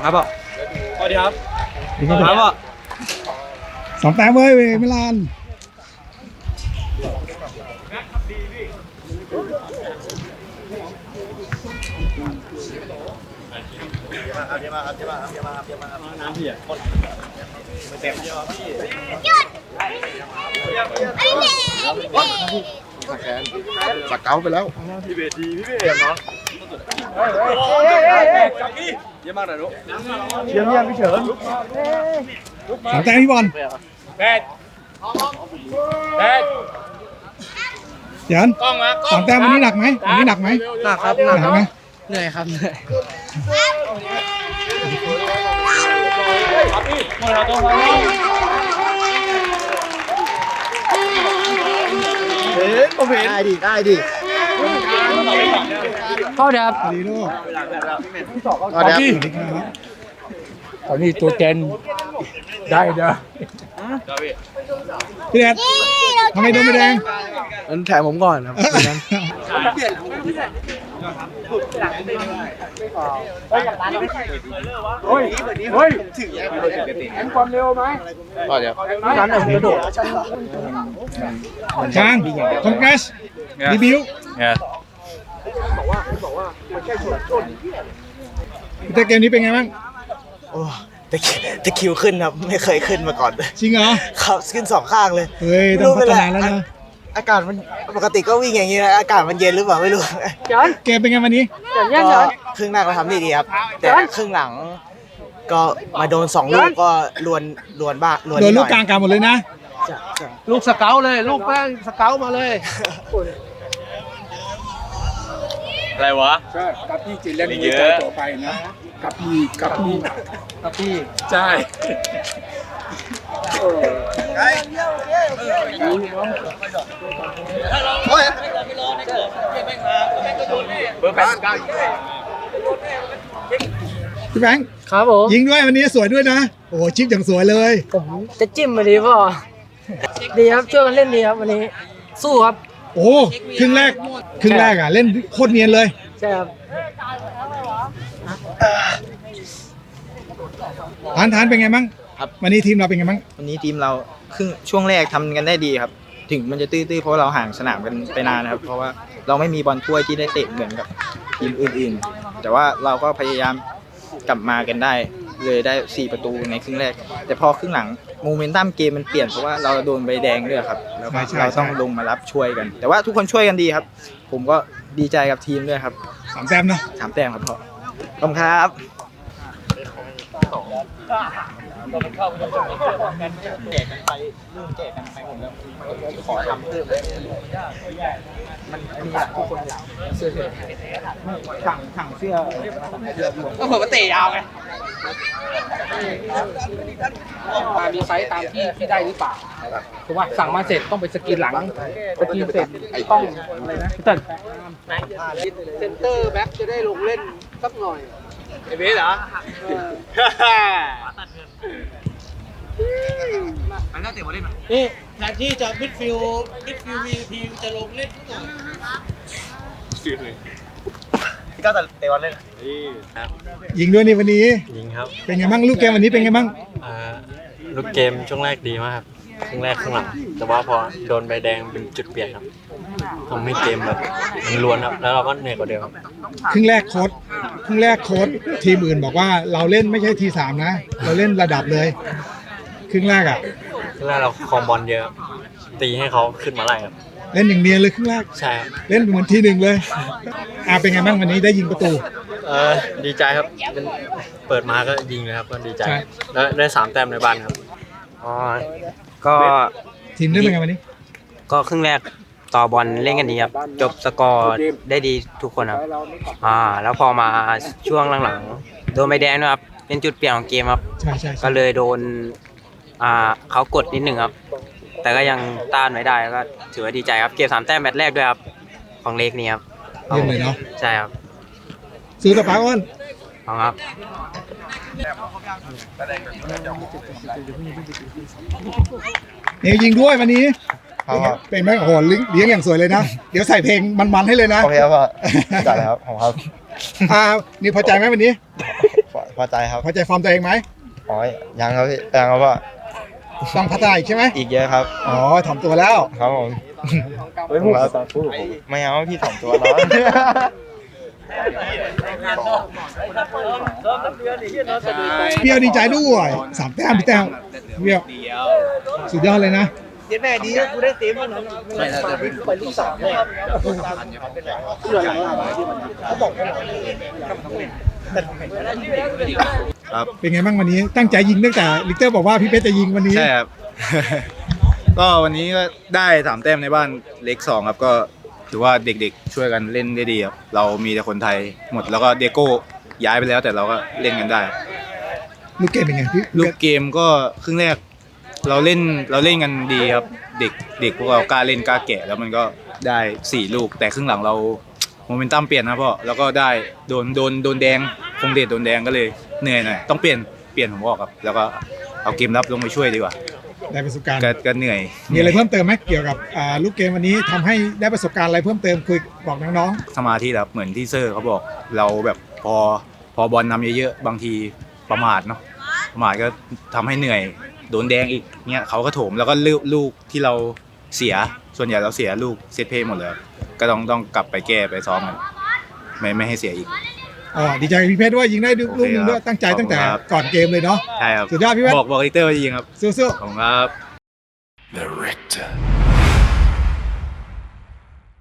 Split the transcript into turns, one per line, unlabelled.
ครับพ่อสวัสดีครับครับพ่อ
2 แต้มเว้ยมิลาน
น้ำพี่อ่ะไม่เต็มเยอะพี่
สักเก้าไปแล้ว
พี่เบดีพี่เบดเนาะเยี่ยมมากเลยลูกเยี่ยมพี่เฉิน
2 แต้มพี่บอล
แปด
เดี๋ยว2 แต้มวันนี้หนักไหมวันนี้หนักไหม
หนักครับ
หนักไหม
เหนื่อยครับเหนื่อยผมเห็น
ได้ดิ
เข้าเดี๋ยวครับ
ดีลูก
สวัสดี
ครับ
ตอนนี้ตัวแกนได้เด้อ
พี่แดดทำไมโดนไม่แดง
อันแถมผมก่อนครับ
เฮ้ยเห็นความเร็วไหม
ก็เดี๋ยว
ร้านไหนผมกระโดด
ช้างคอนเกรสรีบิวแต่เกมนี้เป็นไงบ้าง
โอ้ตะคิวขึ้นครับไม่เคยขึ้นมาก่อน
จริงเหรอ
ครับขึ้น2 ข้างเลย
เฮ้ยต้องพัฒนาแล้วนะ
อากาศมันปกติก็วิ่งอย่างนี้นะอากาศมันเย็นหรือเปล่าไม่รู้
เกมเป็นไงวันนี้
ก็ครึ่งแรกเราทำดีครับแต่ครึ่งหลังก็มาโดน2 ลูกก็ลวนบ้า
โดนลูกกลางกันหมดเลยนะ
ลูกสเกลเลยลูกแป้งสเกลมาเลยอะไรวะ
ใช่กับพี่จิเล่นมือต่อไปนะกับพี่ใช่
พี่แบงค์
ครับผม
ยิงด้วยวันนี้สวยด้วยนะโอ้โหชิปอย่างสวยเลย
ผมจะจิ้มมาดีป่ะดีครับช่วยกันเล่นดีครับวันนี้สู้ครับ
โอ้ครึ่งแรกอ่ะเล่นโคตรเนียนเลย
ใช่ครับ
ทานเป็นไงบ้าง
ครับ
วันนี้ทีมเราเป็นไงบ้าง
วันนี้ทีมเราช่วงแรกทำกันได้ดีครับถึงมันจะตื้อๆเพราะเราห่างสนามกันไปนานนะครับเพราะว่าเราไม่มีบอลถ้วยที่ได้เตะเหมือนกับทีมอื่นๆแต่ว่าเราก็พยายามกลับมากันได้เลยได้4 ประตูในครึ่งแรกแต่พอครึ่งหลังโมเมนตัมเกมมันเปลี่ยนเพราะว่าเราโดนใบแดงด้วยครับแล้วเราต้องลงมารับช่วยกันแต่ว่าทุกคนช่วยกันดีครับผมก็ดีใจกับทีมด้วยครับ
3 แต้มเนาะ
3 แต้มครับพ่อขอบคุณครับแจกกันไปเรื่องแจกกันไปหมดแล้วขอทำเพิ่มมันมีหลายทุกคนเสื้อถังเสื้อ
ก็เผื่อว่าเตะยาวไงมีไซส์ตามที่ได้หรือเปล่าถูกป่ะสั่งมาเสร็จต้องไปสกรีนหลังสกรีนเสร็จต้องอะไรนะพี่เติ้ลเซนเตอร์แบ็คจะได้ลงเล่นสักหน่อยไอ้เบสเหรอมันน่าเตะบอลเล่นมั้ยนี่แทนที่จะมิดฟิลVPจะลงเล่นสักหน่อย
พี่ก้าวเตะบอลเล่น
ยิงด้วยนี่วันนี้
ยิงครับ
เป็นไงบ้างลูกเกมวันนี้เป็นไงบ้าง
ลูกเกมช่วงแรกดีมากครับครึ่งแรกครึ่งหลังแต่ว่าพอโดนใบแดงเป็นจุดเปลี่ยนครับทำให้เกมแบบมันล้วนครับแล้วเราก็เหนื่อยกว่าเดิม
ครึ่งแรกโค้ชทีมอื่นบอกว่าเราเล่นไม่ใช่ที3นะเราเล่นระดับเลยครึ่งแรก
เราครองบอลเยอะตีให้เขาขึ้นมาไล่ครับ
เล่นอย่างเนียนเลยครึ่งแรก
ใช่
เล่นเหมือนที1เลยเป็นไงบ้างวันนี้ได้ยิงประตู
ดีใจครับเปิดมาก็ยิงเลยครับก็ดีใจแล้วได้3 แต้มในบ้านครับ
ก็
ทีมได้เป็นไงวันนี้
ก็ครึ่งแรกต่อบอลเล่นกันดีครับจบสกอร์ได้ดีทุกคนครับแล้วพอมาช่วงหลังๆโดนใบแดงนะครับเป็นจุดเปลี่ยนของเกมครับก็เลยโดนเขากดนิดหนึ่งครับแต่ก็ยังต้านไว้ได้ก็ถือว่าดีใจครับเก็บ3 แต้มแมตช์แรกด้วยครับของเล็กนี่ครับ
เยี่ยมเลยเนาะ
ใช่ครับ
ซื้อต่อไปอ้น
ครับ
เนี่ยยิงด้วยวันนี้เป็นไหมโอ้โหเลี้ยงอย่างสวยเลยนะเดี๋ยวใส่เพลงมันๆให้เลยนะ
โอเคครับได้แล้วครับผมครับ
นี่พอใจไหมวันนี้
พอใจครับ
พอใจฟอร์มตัวเองไหม
อ๋อยังครับพี่ยังครับว่า
ต้องพัฒนาอีกใช่ไหม
อีกเยอะครับ
อ๋อถ่อมตัวแล้ว
ครับผมไม่เอาพี่ถ่อมตัวแล้ว
เปรี้ยวดีใจด้วย3 แต้มพี่แต้มเปรี้ยวสุดยอดเลยนะ เป็นไงบ้างวันนี้ตั้งใจยิงตั้งแต่ลิกเตอร์บอกว่าพี่เพชรจะยิงวันนี้
ใช่ครับ ก็วันนี้ก็ได้3 แต้มในบ้านเล็ก2ครับก็ถือว่าเด็กๆช่วยกันเล่นได้ดีครับเรามีแต่คนไทยหมดแล้วก็เดโก้ย้ายไปแล้วแต่เราก็เล่นกันได้ครับ
ลูกเกมเป็นไงพี่
ลูกเกมก็ครึ่งแรกเราเล่นกันดีครับเด็กพวกเรากล้าเล่นกล้าแกะแล้วมันก็ได้4 ลูกแต่ครึ่งหลังเราโมเมนตัมเปลี่ยนนะพ่อแล้วก็ได้โดนแดงคงเดชโดนแดงก็เลยเหนื่อยหน่อยต้องเปลี่ยนผมบอกครับแล้วก็เอาเกมรับลงไปช่วยดีกว่า
ได้ประสบการณ์
ก็เหนื่อย
มีอะไรเพิ่มเติมไหมเกี่ยวกับลูกเกมวันนี้ทำให้ได้ประสบการณ์อะไรเพิ่มเติมคุยบอกน้อง
สมาธิแบบเหมือนที่เซอร์เขาบอกเราแบบพอบอลนำเยอะๆบางทีประมาทเนาะประมาทก็ทำให้เหนื่อยโดนแดงอีกเนี่ยเขาก็โถมแล้วก็ลูกที่เราเสียส่วนใหญ่เราเสียลูกเซตเพลย์หมดเลยก็ต้องกลับไปแก้ไปซ้อมกันไม่ให้เสียอีก
ๆดีใจกับพี่เพชรด้วยยิงได้ลูกหนึงด้วยตั้งใจตั้งแต่ก่อนเกมเลยเนาะ
ใช่ครับ
สุดยอดพี่เพชร
บอกลิเตอร์ว่าจะยิงครับ
สู้ๆ
ขอบคุณครับ
The Richter.